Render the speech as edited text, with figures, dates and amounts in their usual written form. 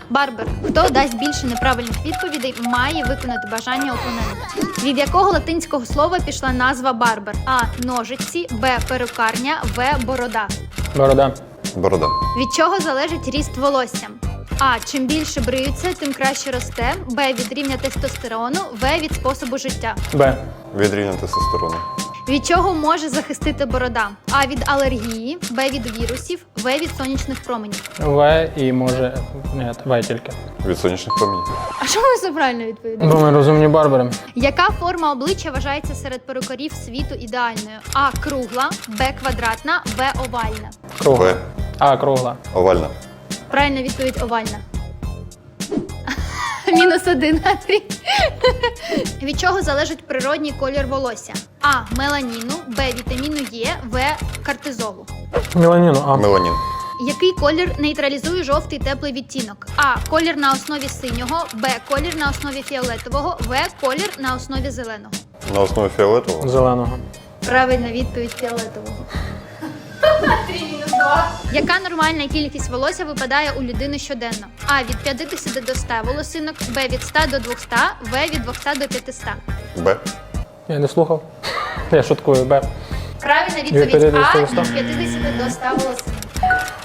Барбер. Хто дасть більше неправильних відповідей, має виконати бажання опонента. Від якого латинського слова пішла назва барбер? А. Ножиці, Б. Перукарня, В. Борода. Борода. Борода. Від чого залежить ріст волосся? А. Чим більше бриються, тим краще росте. Б. Від рівня тестостерону. В. Від способу життя. Б. Від рівня тестостерону. Від чого може захистити борода? А. Від алергії, Б. Від вірусів, В. Від сонячних променів. В і може... Ні, В тільки. Від сонячних промінь. А що ви все правильно відповідаєте? Бо ми розумні барбери. Яка форма обличчя вважається серед перукарів світу ідеальною? А. Кругла, Б. Квадратна, В. Овальна. Кругла. В. А, кругла. Овальна. Правильна відповідь овальна. -1, Андрій. Від чого залежить природній колір волосся? А. Меланіну, Б. Вітаміну Е, В. Кортизолу. Меланіну, А. Меланін. Який колір нейтралізує жовтий теплий відтінок? А. Колір на основі синього, Б. Колір на основі фіолетового, В. Колір на основі зеленого. На основі фіолетового. Зеленого. Правильна відповідь фіолетового. Яка нормальна кількість волосся випадає у людини щоденно? А. Від 50 до 100 волосинок, Б. Від 100 до 200, В. Від 200 до 500. Б. Я не слухав. Я шуткую, Б. Правильна Від відповідь 50 А. до 100? Від 50 до 100 волосинок.